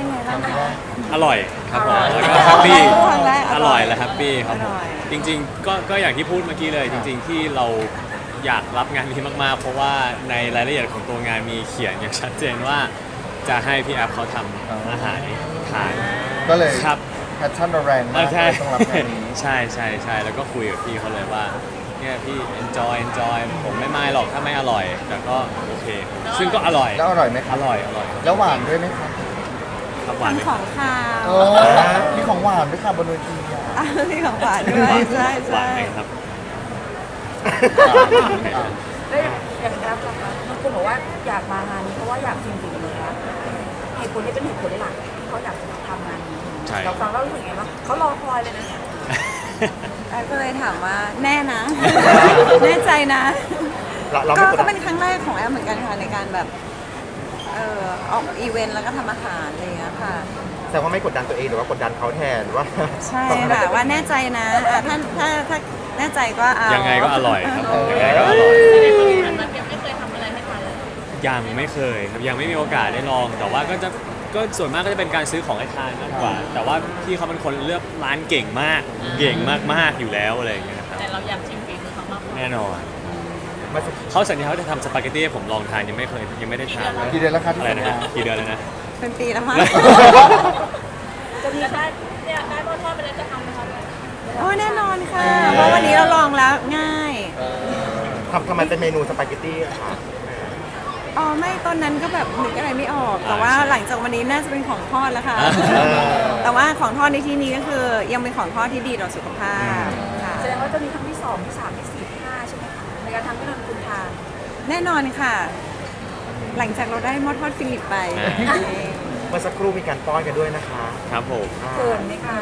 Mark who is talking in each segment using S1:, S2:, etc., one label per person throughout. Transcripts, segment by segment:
S1: เป็นไงบ้างคะ
S2: อร่อยครับผมแล้วก็แฮปปี้
S1: ครั้งแรก
S2: อร่อยและแฮปปี้ครับผม
S1: อร่อย
S2: จริงๆก็อย่างที่พูดเมื่อกี้เลยจริงๆที่เราอยากรับงานนี้มากๆ เพราะว่าในรายละเอียดของตัวงานมีเขียนอย่างชัดเจนว่าจะให้พี่แอฟเขาทำอาหารทาน
S3: ก็เลย
S2: ครับ
S3: แพชชั่นเราแรงมาก
S2: ใช่
S3: ต้องรับงานนี้
S2: ใช่ใช่ใช่แล้วก็คุยกับพี่เขาเลยว่าเนี่ยพี่ enjoy ผมไม่ไม่หรอกถ้าไม่อร่อย แต่ก็โอเค ซึ่งก็อร่อย
S3: แล้วอร่อยไหมค
S2: อ
S3: รับ
S2: ร่อย
S3: แล้วหวานด้วยไหมครับ
S2: ครับหวานไหม
S1: ทำของคาว
S3: โอ้มีของหวานด้วยค่ะบนเวทีอ่ะ
S1: มีของหวานด้วยใช่
S2: หวา
S1: ใช่
S2: นไหมครับ
S4: แล้วอย่างแอปล่ะคะบางคนบอกว่าอยากมางานนี้เพราะว่าอยากชิมฝีมือนะเหตุผลนี้เป็นเหตุผลหลักที่เขาอยากทำงานนี้
S2: ใช่
S4: เราฟังแล้วรู้สึกไงบ้างเขารอคอยเลยนะเนี่ย
S1: แอฟก็เลยถามว่าแน่นะ แน่ใจนะ
S5: เราไม่กด
S1: ก็
S5: ดั
S1: เป็น นครั้งแรกของแอฟเหมือนกันค่ะในการแบบออกอีเวนต์แล้วก็ทำอาหารอะไรอย่างเงี้ยค่ะ
S5: แสดงว่าไม่กดดันตัวเองหรือว่ากดดันเขาแทนว่า
S1: ใช่ค่ะว่าแน่ใจนะถ้าแน่ใจก็เอา
S2: ยังไงก็อร่อยครับผมยังไงก็อร่อย
S4: มันยังไม่เคยทำอะไรให้ทานเลย
S2: ยังไม่เคยครับยังไม่มีโอกาสได้ลอง แต่ว่าก็ส่วนมากก็จะเป็นการซื้อของให้ทานมากกว่า แต่ว่าพี่เขาเป็นคนเลือกร้านเก่งมาก เก่งมากๆอยู่แล้วอะไรอย่างเงี้ยครับ
S4: แต่เราอยากชิมฝีมือเขามากกว่า
S2: แน่นอน
S5: มาสัก
S2: เขาสัญญาว่าจะทำสปาเกตตี้ให้ผมลองทานยังไม่ได้ทานเลย
S3: กี่เดือนแล้วครับที่
S2: อะไรนะ
S3: สัญ
S2: ฮะ
S3: ญา
S2: กี่เดือนแล้วนะ
S1: เป็นปีแล้วมั้ง
S4: จะมีได้เนี่ยได้หม้อทอดไปแล้วจะทำไหมคะ
S1: โอ้แน่นอนค่ะ เพราะวันนี้เราลองแล้วง่าย
S5: ทำไมเป็นเมนูสปาเกตตี้อะคะ
S1: อ๋อไม่ตอนนั้นก็แบบนึกอะไรไม่ออก แต่ว่าหลังจากวันนี้น่าจะเป็นของทอดแล้วค่ะ แต่ว่าของทอดในที่นี้ก็คือยังเป็นของทอดที่ดีต่อสุขภาพค่ะ
S4: แสดงว่าจะมีครั้งที่2ที่3ที่4ที่5ใช่ไหมคะในการทำให้เราคุณทาน
S1: แน่นอนค่ะ หลังจากเราได้หม้อทอดฟิลิปไป
S5: เมื่อสักครู่มีการป้อนกันด้วยนะคะ
S2: ครับผม
S4: เกินไหมคะ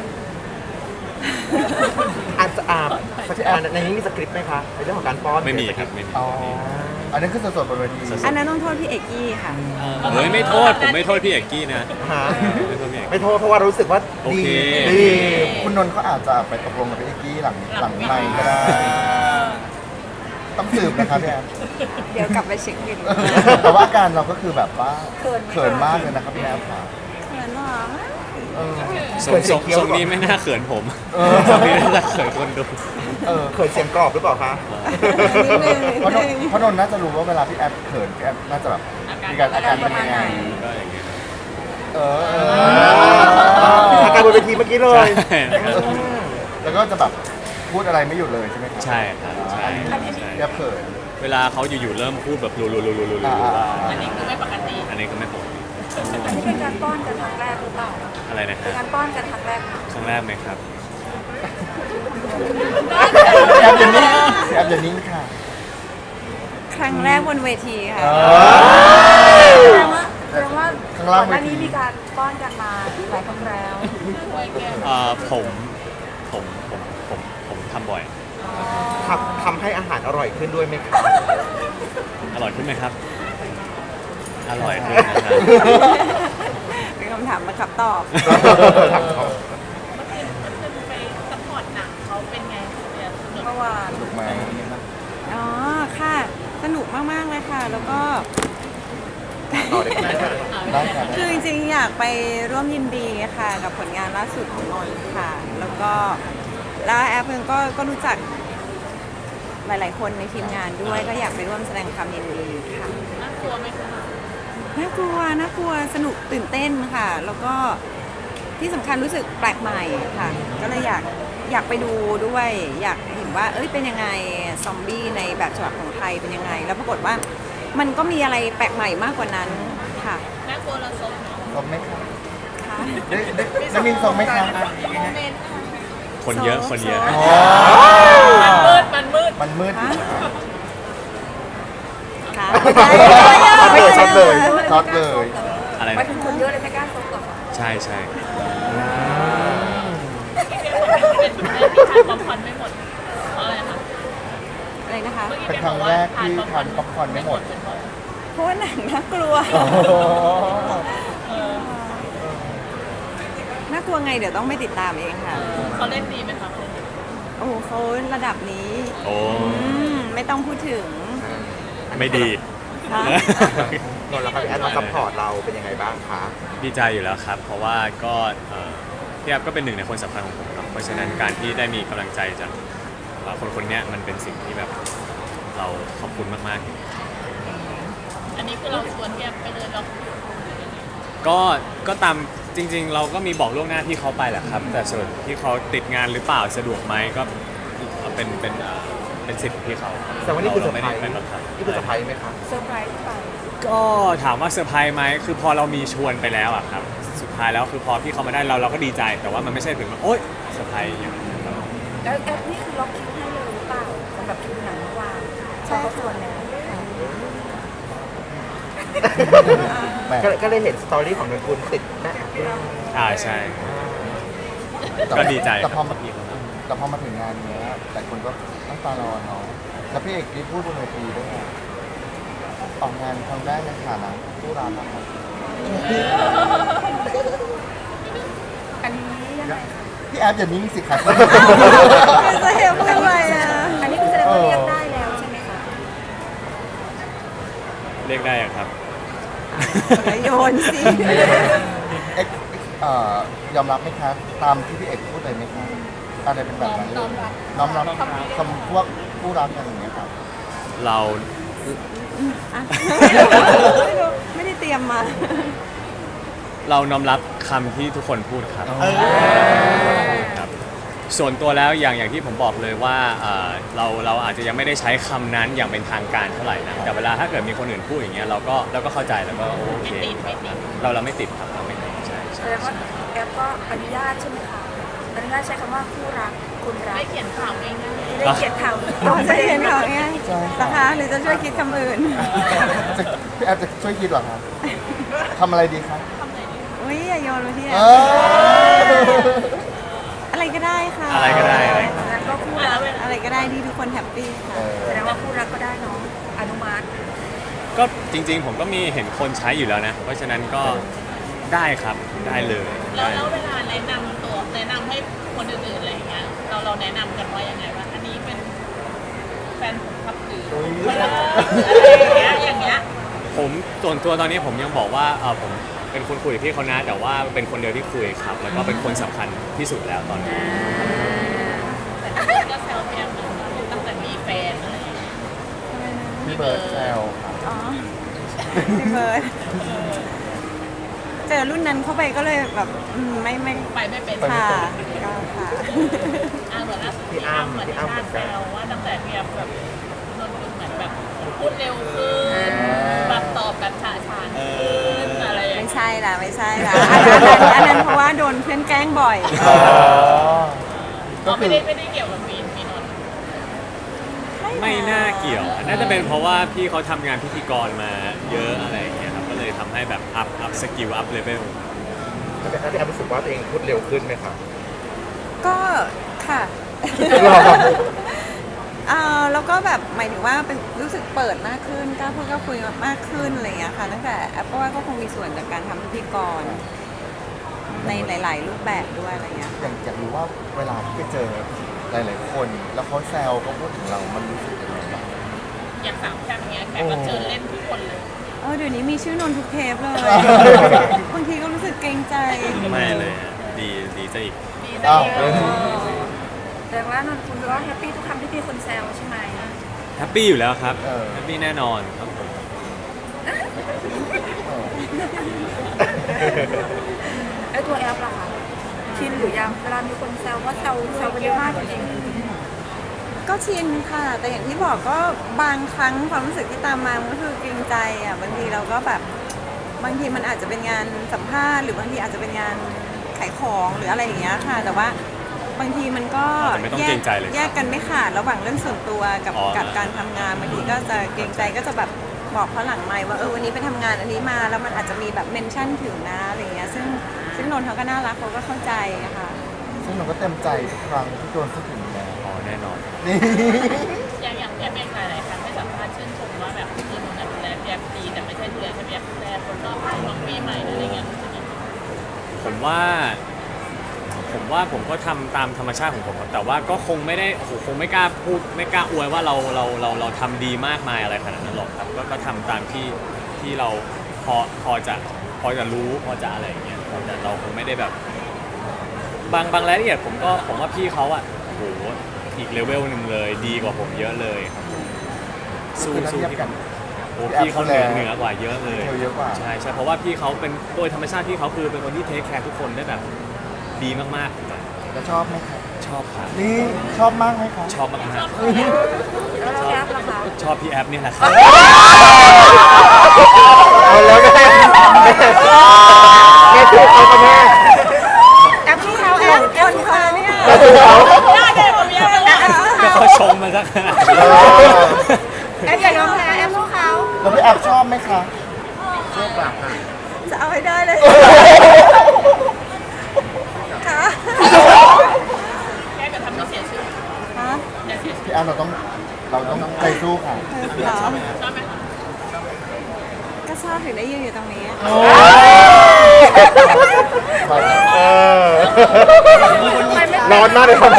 S5: อาจจะในนี้มีสคริปต์ไหมคะในเรื่องของการป้อน
S2: ไม่มีครับไม่มี
S3: อ๋ออันนั้นคือสดๆบนเวที
S1: อันนั้นต้องโทษพี่เอกกี้ค่ะ
S2: เฮ้ยไม่โทษผมไม่โทษพี่เอกกี้นะ
S5: ฮะ
S2: ไม่โทษพี่เอก
S5: ไม่โทษเพราะว่ารู้สึกว่า
S2: โอ
S5: ดี
S2: เค
S5: ดี
S3: คุณนนท์เขาอาจจะไปตกลงกับพี่เอกกี้หลังไมค์ก็ได้ ต้องสืบนะครับพี่แอน
S1: เดี๋ยวกลับไปเช็คบิน
S3: แต่ว่าอาการเราก็คือแบบว่า
S4: เขินไหมคะ
S3: เขินมากเลยนะครับพี่แอนค่ะ
S1: เขินหรอ
S3: เออ
S2: ทรงนี้ไม่น่าเขินผม
S3: เออ
S2: ทรงนี้น่าจะเขินคนดู
S3: เออ
S5: เขินเสียงกรอบหรือเปล่าคะ
S1: นิดนึง
S3: เพราะนนท์เพราะนนท์น่าจะรู้ว่าเวลาพี่แอนเขินพี่แอนน่าจะแบบมีการอาการเป็นยังไง
S2: ก็อย่างเงี้ย
S3: เออ
S5: อาการบนเวทีเมื่อกี้เลย
S2: ใช่นะครับ
S3: แล้วก็จะแบบพูดอะไรไม่หยุดเลยใช่ไหมครับ
S2: ใช่ครับใช่ใช่
S3: พี่แอนเขิน
S2: เวลาเขาอยู่ๆเริ่มพูดแบบรัวๆๆๆ
S4: อันนี้คือไม่ปกติ
S2: อันนี้ก็ไม่ปกติ
S4: อันนี้เป็นการป้อนกันครั้งแรกหรือเปล่า
S2: อะไรนะ
S4: เป็น
S2: ฮะ
S4: การป้อนกันครั้งแรกไหม
S2: ครั้งแรกไหมครับ
S3: พี่แอนอย่านิ่งพี่แอนอย่านิ่งค่ะ
S1: ครั้งแรกบนเวทีค่ะ
S4: แสดงว่า
S3: ข้างล่าง
S4: ก่อนหน้านี้มีการป้อนกันมาหลายครั้งแล้ว
S2: ผมทำบ่อย
S5: ทำให้อาหารอร่อยขึ้นด้วยไหมคะ
S2: อร่อยขึ้นไหมครับ อร่อยขึ้นนะครับ
S1: เป็นคำถามมาขับตอบ
S4: ไปซัพพอร์ตหนังเขาเป็นไงเนี่ยสนุก
S1: เมื่อวาน
S3: ถูกไหม
S1: อ๋อ ค่ะ สนุกมาก ๆ เลยค่ะ แล้วก็
S5: ต่อได้ไหมคะ
S3: ได้ค่ะ
S1: คือจริงๆ อยากไปร่วมยินดีค่ะ กับผลงานล่าสุดของนนท์ค่ะ แล้วก็แล้วแอปเองก็รู้จักหลายๆ คนในทีมงานด้วย ก็อยากไปร่วมแสดงความยินดีค่ะ
S4: น่ากลัวไหมคะ
S1: น่ากลัว สนุกตื่นเต้นค่ะ แล้วก็ที่สำคัญรู้สึกแปลกใหม่ค่ะ ก็เลยอยากไปดูด้วย อยากเห็นว่า เอ้ย เป็นยังไง ซอมบี้ในแบบฉบับของไทยเป็นยังไง แล้วปรากฏว่ามันก็มีอะไรแปลกใหม่มากกว่านั้นค่ะ
S4: น่ากลัวเราซนเนาะ
S3: สมไหมคะ
S1: ค่ะ
S3: ได้มินสมไหมคะ
S4: โมเมนต์ค่ะ
S2: คนเยอะคนเยอะ
S3: อ๋อ
S4: มันมืด
S3: มันมืด
S1: ค่ะ
S5: ช็อตเลย
S3: ช็อตเลย
S2: อะไร
S4: ไป
S2: นะ
S4: ถึงคนเยอะเลยไม่กล้าซบหรอก
S2: ใช่ใช่
S4: เป็นความพันไม่หมดเพราะอะไรคะ
S1: อะไรนะคะ
S3: เป็นครั้งแรกที่ทานป๊อปคอร์นไม่หมด
S1: เพราะว่าหนังน่ากลัว
S3: โอ้โห
S1: น่ากลัวไงเดี๋ยวต้องไปติดตามเองค่ะ
S4: เขาเล่นดีไหมคะ
S1: โอ้โหเขาระดับนี้
S2: โอ้
S1: ไม่ต้องพูดถึง
S2: ไม่ดี
S1: ค่ะ
S5: นนท์แล้วครับพี่แอฟมาซัพพอร์ตเราเป็นยังไงบ้างคะ
S2: ดีใจอยู่แล้วครับ เพราะว่าก็พี่แอฟก็เป็นหนึ่งในคนสำคัญของผมเนาะเพราะฉะนั้นการที่ได้มีกำลังใจจากคนคนนี้มันเป็นสิ่งที่แบบเราขอบคุณมากๆ
S6: อันนี้คือเราชวนแกไปเลยเรา
S2: ก็ตามจริง ๆ เราก็มีบอกล่วงหน้าที่เขาไปแหละครับ แต่ส่วนที่เขาติดงานหรือเปล่าสะดวกไหมก็เป็นสิทธิ์ของที่เขา
S5: แต่ว่านี่คือเซอร์
S2: ไม่
S5: ไพร
S2: ได้
S5: ส์
S2: เป็นบังคับ
S5: นี่คือเซอร์ไพรส์ไหมคะ
S4: เซอร์ไพรส์ไป
S2: ก็ถามว่าเซอร์ไพรส์ไหมคือพอเรามีชวนไปแล้วอะครับสุดท้ายแล้วคือพอพี่เขามาได้เราก็ดีใจ แต่ว่ามันไม่ใช่ถึงว่าโอ๊ยเซอร์ไพรส์อย่างนั้นครับ
S4: แล้วแอปนี่คือล็อกคิวให้เลยหรือเปล่าสำหรับคิวหนังเมื่อวานใช่เขาชวนแล้ว
S3: แหม
S5: ก็เลยเห็นสตอรี่ของนนกุลติดแม่
S2: ใช่ก็ดีใจ
S3: แต่พอ
S2: ค
S3: มา
S2: รับพี่เขา
S3: แต่พอมาถึงงานเนี้ยหลายคนก็ตั้งตารอเนาะแล้วพี่เอกที่พูดบนเวทีด้วยไงออกงานครั้งแรกในฐานะผู้ร้านนะครับ
S4: อันนี้ยังไง
S3: พี่แอฟอย่านิ่งสิครับ
S1: จะเห็นเป็นไรอ่ะ
S4: อันนี้คือแสดงว่าเรียกได้แล้วใช่ไหมคะ
S2: เรียกได้อะครับ
S1: อย่าโยนสิ
S3: เอ็กยอมรับไหมครับตามที่พี่เอกพูดเลยไหมครับอะไรเป็นแบบนั้นเลยน้อมรับคำพวกผู้รักกันอย่างเงี้ยครับ
S2: เรา
S1: อ่ะไม่ได้เตรียมมา
S2: เราน้อมรับคำที่ทุกคนพูดครับครับ ส่วนตัวแล้วอย่างที่ผมบอกเลยว่าเราอาจจะยังไม่ได้ใช้คำนั้นอย่างเป็นทางการเท่าไหร่นะแต่เวลาถ้าเกิดมีคนอื่นพูดอย่างเงี้ยเราก็เข้าใจแล้วก็โอเคครับเราไม่ติดครับเราไม่ติดใช่
S4: แส
S2: ใช่
S4: ดงว่าแอปก็อนุญาตใช่ไหมคะอนุญาตใช้คำว่าคู่รักคุณรัก
S6: ไม่เขียนข่าวง่าย
S4: ได้เขียนข่าว
S1: อ๋อจะเห็นเขาไงนะคะหรือจะช่วยคิดคำอื่น
S3: พี่แอฟจะช่วยคิดเหรอครับทำอะไรดีครับ
S1: อุ้ยอย่าโยนมาที่
S3: เอ
S1: อะไรก็ได้ค่ะ
S2: อะไรก็ได้อะไร
S4: งั้นก็คู่รัก
S1: อะไรก็ได้ที่ทุกคนแฮปปี้ค่ะ
S4: แสดงว่าคู่รักก็ได้เนาะอนุมัติ
S2: ก็จริงๆผมก็มีเห็นคนใช้อยู่แล้วนะ เพราะฉะนั้นก็ได้ครับได้เลย
S6: ๆแล้วเวลาแนะนำตัวแนะนำให้คนอื่นๆอะไรอย่างเงี้ยเราแนะนำกันว่ายังไงว่าอันนี้เป็นแฟนผมครับหรืออะไรอย่างเงี้ย
S2: ผมส่วนตัวตอนนี้ผมยังบอกว่าผมเป็นคนคุยกับพี่เขานะแต่ว่าเป็นคนเดียวที่คุยครับ แล้วก็เป็นคนสำคัญที่สุดแล้วตอนนี้
S6: แต่ทุกคนก็แซวแกมตั้งแต่มีแฟนอะไรอย่างเงี้ย
S3: พี่เบิร์ดแซวครับ
S1: อ๋อพี่เบิร์ดเจอรุ่นนั้นเข้าไปก็เลยแบบไม่
S6: ไปไม่เป็น
S1: ค่ะก็ค่ะ
S6: เหมือนล่าสุดพี่อ้ำเหมือนชาติแซวว่าตั้งแต่เนี่ยแบบนนท์เหมือนแบบพูดเร็วขึ้นแบบตอบแบบฉะฉานขึ้นอะไรอย่าง
S1: ไม่
S6: เงี้ย
S1: ใช่ละไม่ใช่ละอันนั้นเพราะว่าโดนเพื่อนแกล้งบ่อย
S3: อ๋อก็
S6: ก็
S3: คื
S6: ไม่
S3: อ
S6: ได้เกี่ยวกับมีนนท์
S2: ไม่น่าเกี่ยวน่าจะเป็นเพราะว่าพี่เขาทำงานพิธีกรมาเยอะอะไรอย่างเงี้ยครับก็เลยทำให้แบบอัพสกิลอัพเลเวล
S5: แล้วพี่แอฟรู้สึกว่าตัวเองพูดเร็วขึ้นไหมครับ
S1: ก็ค่ะแล้วก็แบบหมายถึงว่าเป็นรู้สึกเปิดมากขึ้นกล้าพูดกล้าคุยมากขึ้นอะไรอย่างเงี้ยค่ะตั้งแต่แอปว่าก็คงมีส่วนจากการทำพิธีกรในหลาย ๆ รูปแบบด้วยอะไรเงี้ย
S3: อยากรู้ว่าเวลาที่ไปเจอหลายๆคน แล้วเขาแซวเขาพูดถึงเรา มันรู้สึกยังไงบ้าง
S6: อย่างสามแค่เนี้ยแขกก็เจอเล่นทุกคนเลย
S1: เดี๋ยวนี้มีชื่อนนทุกเทปเลย บางทีก็รู้สึกเกรงใจ
S2: ไม่เลยอะดีซะอีก
S6: ดี
S3: อ้าว
S4: แสดงว่านนท์คุณก็แฮปปี้ทุกคำที่มีคนแซวใช่ไหม
S2: แฮปปี้อยู่แล้วครับ
S3: เออ
S2: แฮปปี้แน่นอนครับผม
S4: ไอ้ตัวแอปล่ะคะชินหรือยังเวลามีคนแซวว่าแซวกันเยอะมากจริง
S1: ก็ชินค่ะ แต่อย่างที่บอกก็บางครั้งความรู้สึกที่ตามมามันก็คือเกรงใจอ่ะบางทีเราก็แบบบางทีมันอาจจะเป็นงานสัมภาษณ์หรือบางทีอาจจะเป็นงานขายของหรืออะไรอย่างเงี้ยค่ะ แต่ว่าบางทีมันก็
S2: แต่ไม่ต้องเกรงใจเลยครับ
S1: แยกกันไม่ขาดระหว่างเรื่องส่วนตัวกับ
S2: อ๋อ
S1: กับการทำงานบางทีก็จะเกรงใจก็จะแบบบอกเขาหลังไมค์ว่าวันนี้ไปทำงานอันนี้มาแล้วมันอาจจะมีแบบเมนชั่นถึงนะอะไรอย่างเงี้ยซึ่งนนท์เขาก็น่ารักเขาก็เข้าใจอะค่ะ
S3: ซึ่งเราก็เต็มใจทุกครั้งที่โดนพูดถึงแล้ว
S2: อ๋อแน่นอน
S3: นี่
S6: อย่างแกเองหลายๆครั้งให้สัมภาษณ์ชื่นชมว่าแบบคือนนท์ดูแลแกดีแต่ไม่ใช่ดูแลแค่แกดูแลคนรอบข้างน้องปีใหม่อะไรเงี้ยรู้สึกยังไง
S2: ผมว่าผมก็ทำตามธรรมชาติของผมครับแต่ว่าก็คงไม่ได้โอ้โหคงไม่กล้าพูดไม่กล้าอวยว่าเราทำดีมากมายอะไรขนาดนั้นหรอกครับก็ทำตามที่เราพอจะรู้พอจะอะไรอย่างเงี้ยแต่เราคงไม่ได้แบบบางรายละเอียดผมว่าพี่เขาอ่ะโอ้โหอีกเลเวลหนึ่งเลยดีกว่าผมเยอะเลยครับผมสู้
S3: คือถ้า
S2: สู้
S3: เทียบ
S2: พี่
S3: กัน
S2: โอ้พี่เขาเหนือกว่าเยอะเลย
S3: เยอะกว่า
S2: ใช่เพราะว่าพี่เขาเป็นโดยธรรมชาติพี่เขาคือเป็นคนที่เทคแคร์ทุกคนได้แบบดีมากๆ
S3: แล้วชอบไหมครับ
S2: ชอบครับ
S3: นี่ชอบมากไหมครับ
S2: ชอบมาก
S4: แล้วแอปล่ะคะ
S2: ๆชอบพี่แอปเนี่ยแหละครับ
S5: เอาแล้วแม่ถูกเอาไปแม่
S1: แอปที่เขาแอปคนเขาเนี่ย
S5: ถูกเขา
S6: ได้เลยผมยังไม่ได้
S2: ก็เขาชมมาสักขนาดนี้
S1: แอปอย่ายอมแพ้แอปสู้เขา
S3: แล้วพี่แอฟชอบไหมคะ
S1: จะเอาให้ได้เลยค่ะ
S6: แค่จะทำให้เสียชื่อ
S1: ฮะ
S6: อย่าเสียชื่อ
S3: พี่แอฟเราต้องใจสู้ค่ะ
S1: เหรอ
S6: ชอบไหมคะ
S1: ก็ชอบถึงได้ยืนอยู่ตรงนี้
S5: เออร้อนมากเลยครับ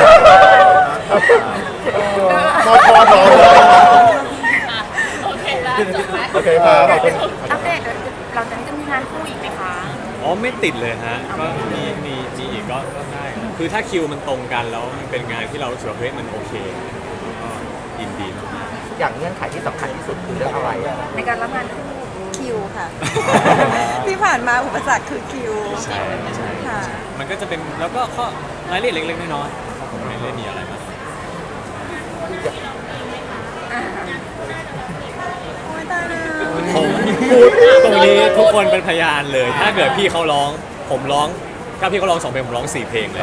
S5: พอร้อนเลย
S6: อ่ะโอเคแล้วจบไหม
S5: โอเคครับขอบคุณ
S4: อัปเดตหลังจากนี้จะมีงานคู่อีกไหมคะ
S2: อ๋อไม่ติดเลยฮะก็มีอีกก็ได้ครับคือถ้าคิวมันตรงกันแล้วมันเป็นงานที่เรารู้สึกว่าเฮ้ยมันโอเคก็ยินดีมาก
S5: อย่างเงื่อนไขที่สำคัญที่สุดคือเรื่องอะไรอะ
S4: ในการรับงานคู่
S1: คิวค่ะ ที่ผ่านมาอุปสรรคคือคิว
S2: ใช่ใช่
S1: ค่ะ
S2: มันก็จะเป็นแล้วก็ข้อรายละเอียดเล็กๆน้อยๆผมไม่ได้มีอะไรมาก
S1: โอ้ยตายแล้ว
S2: ผมพูดตรงนี้ทุกคนเป็นพยานเลย ถ้าเกิดพี่เขาร้องผมร้องถ้าพี่เขาร้อง2 เพลงผมร้อง4 เพลงเลย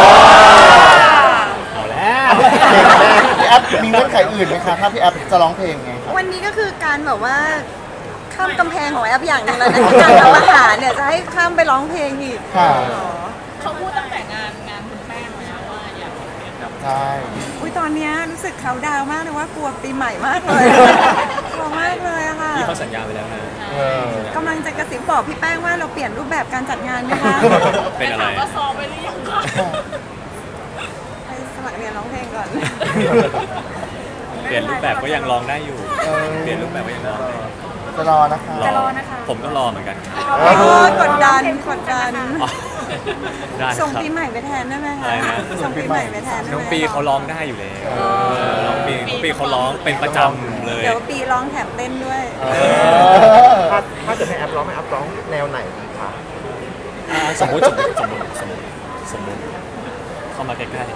S2: เอาแล้ว
S3: พี่แอฟมีเงื่อนไขอื่นไหมคะถ้าพี่แอฟจะร้องเพลงไงครับ
S1: วันนี้ก็คือการแบบว่าข้ามกำแพงของแอปอย่างหนึงแล้วนะการทำอาหารเนี่ยจะให้ข้ามไปร้องเพลงอีก
S3: ค่ะ
S6: เขาพูดตั้งแต่งานคุณแป้งแล้วว่าอยากเรียนกับ
S3: ใช่
S1: อุ้ยตอนเนี้ยรู้สึกเขาดาวน์มากเลยว่ากลัวปีใหม่มากเลยกลัวมากเลยอะค่ะ
S2: พี่เขาสัญญาไปแล้วนะ
S3: เออก
S1: ำลังจะกระซิบบอกพี่แป้งว่าเราเปลี่ยนรูปแบบการจัดงานไหมคะ
S2: เป็นอะไร
S6: ถามว่าซ้อมไปหรือยังคะ
S1: ไปสมัครเรียนร้องเพลงก่อน
S2: เปลี่ยนรูปแบบก็ยังร้องได้อยู่ เปลี่ยนรูปแบบก็ยังร้องได้
S3: จะรอนะคะ
S4: จะรอนะคะ
S2: ผมก็รอเหมือนกัน
S1: โอ้ยกดดันกดดัน
S2: อ๋อได้ค
S1: ส่ง
S2: รับ
S1: ปีใหม่ไปแทนได้ไหม
S2: อะ
S1: คะ
S2: ไรนะ
S1: ส่งปีใหม่ไปแทนได้ไหม
S2: น้องปีเขาร้องได้อยู่แล้วน้องปีเขาร้องเป็นประจำเลย
S1: เดี๋ยวปีร้องแถมเต้นด้วย
S5: ถ้าเกิดให้แอปร้องให้แอปร้องแนวไหนดีคะ
S2: สมมติเข้ามาใกล้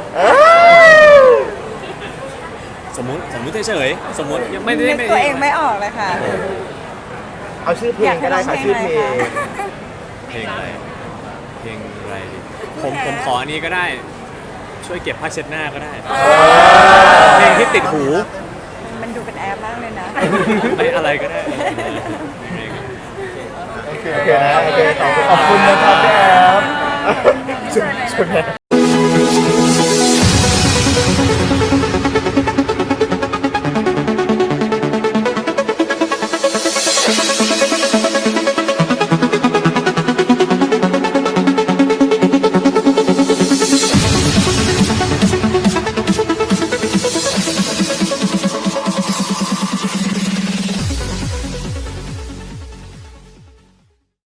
S2: ๆสมมติเฉยๆสมมติยังไม่ได้
S1: นึกตัวเองไม่ออกเลยค่ะ
S5: เอาชื่อเพลงก็ได้ค่ะชื่อเพลง
S2: เพลงอะไรเพลงอะไรดีผมขออันนี้ก็ได้ ช่วยเก็บผ้าเช็ดหน้าก็ได้ เพลงที่ติดหู
S1: มันดูเป็นแอปมากเลยนะ
S2: ไม่อะไรก็ได้
S3: โอเค
S5: โอเคนะโอเคขอบคุณ
S3: ขอบคุณนะครับพี่แอฟ
S5: ชุดแม่